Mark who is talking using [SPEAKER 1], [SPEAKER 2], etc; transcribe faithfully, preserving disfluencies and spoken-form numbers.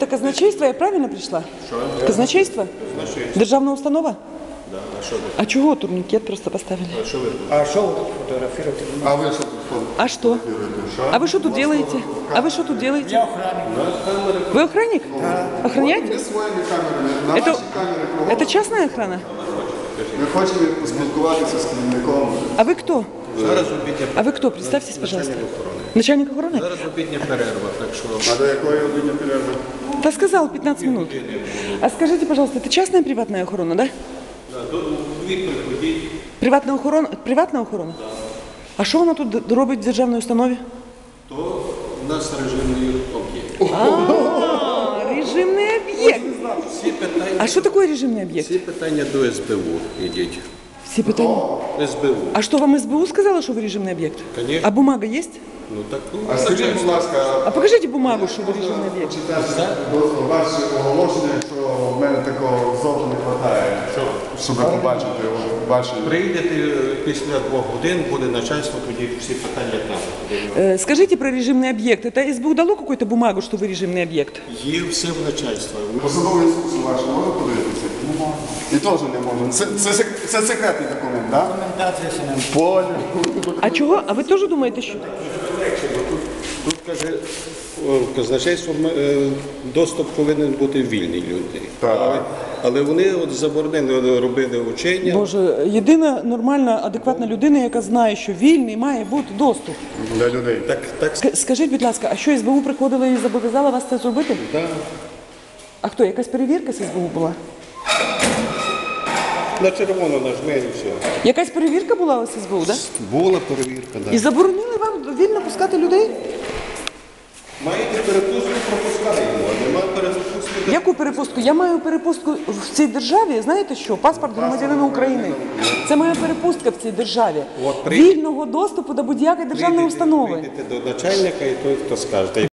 [SPEAKER 1] Это казначейство, я правильно прийшла? Що? Казначейство?
[SPEAKER 2] Казначейство.
[SPEAKER 1] Державна установа?
[SPEAKER 2] Да. А що ви?
[SPEAKER 1] А чого турнікет просто поставили?
[SPEAKER 2] А що ви тут?
[SPEAKER 3] А що ви тут фотографуєте?
[SPEAKER 2] А ви що тут
[SPEAKER 1] А что? А вы что тут делаете? А вы что тут делаете?
[SPEAKER 3] Я охранник.
[SPEAKER 1] Вы охранник? Охраняете?
[SPEAKER 2] Ми своїми камерами, на
[SPEAKER 1] Это,
[SPEAKER 2] наші камери кругом.
[SPEAKER 1] это частная охрана?
[SPEAKER 2] Ми хочемо поспілкуватися з керівником.
[SPEAKER 1] А вы кто?
[SPEAKER 4] Зараз обідня
[SPEAKER 1] А вы кто? Представьтесь, пожалуйста.
[SPEAKER 4] начальник охорони.
[SPEAKER 1] Начальник охраны?
[SPEAKER 4] Зараз обідня перерва, так що
[SPEAKER 2] А до якої години перерви?
[SPEAKER 1] Да сказал, пятнадцать минут. А скажите, пожалуйста, это частная приватная охрана, да?
[SPEAKER 4] дві приходіть.
[SPEAKER 1] Приватна охорона? Приватна охорона? А що вона тут робить в державній установі?
[SPEAKER 4] То у нас режимний об'єкт.
[SPEAKER 1] А, режимний об'єкт.
[SPEAKER 4] Всі питання,
[SPEAKER 1] А що таке режимний об'єкт?
[SPEAKER 4] всі питання до ес бе у ідіть.
[SPEAKER 1] Всі питання.
[SPEAKER 4] ес бе у.
[SPEAKER 1] А що, вам ес бе у сказала, що ви режимний об'єкт?
[SPEAKER 4] Конечно.
[SPEAKER 1] А бумага є?
[SPEAKER 4] Ну так, ну,
[SPEAKER 2] А скажіть, будь ласка,
[SPEAKER 1] А покажіть бумагу, що ви режимний об'єкт.
[SPEAKER 2] читайте ваше оголошення, якщо в мене такого зовсім не вистачає, щоб побачити ваші...
[SPEAKER 4] прийдете після двох годин, буде начальство, тоді всі питання там.
[SPEAKER 1] Э, Скажите про режимный объект. Это эс бэ у дало какую-то бумагу, что вы режимный объект?
[SPEAKER 4] Є все в начальства.
[SPEAKER 2] Посадовий інструкцію вашу можна подивитися? І теж не можна. Це, це, сек- це секретний документ, так? Да?
[SPEAKER 3] Документація ще нам.
[SPEAKER 2] Понял.
[SPEAKER 1] А чого? А ви теж думаєте, що?
[SPEAKER 4] Тут каже, о, казначейство, е, доступ повинен бути вільний людей.
[SPEAKER 2] Так.
[SPEAKER 4] Але, але вони от заборонили, робили учення.
[SPEAKER 1] Боже, єдина нормальна, адекватна людина, яка знає, що вільний має бути доступ.
[SPEAKER 2] Для людей.
[SPEAKER 4] Так, так,
[SPEAKER 1] Ск- Скажіть, будь ласка, а що ес бэ у приходила і зобов'язала вас це зробити?
[SPEAKER 4] да.
[SPEAKER 1] А хто? Якась перевірка з ес бэ у була?
[SPEAKER 4] На червоно нажми і все.
[SPEAKER 1] Якась перевірка була у ес бэ у, так?
[SPEAKER 4] Була перевірка,
[SPEAKER 1] І
[SPEAKER 4] да.
[SPEAKER 1] заборонили вам вільно пускати людей?
[SPEAKER 4] Маєте перепустку, пропускаємо, а нема перепустки.
[SPEAKER 1] Яку перепустку? Я маю перепустку в цій державі. Знаєте що? Паспорт громадянина України. Це моя перепустка в цій державі.
[SPEAKER 4] От прийдете-
[SPEAKER 1] Вільного доступу до будь-якої державної установи.
[SPEAKER 4] Прийдете до начальника і той, хто скаже.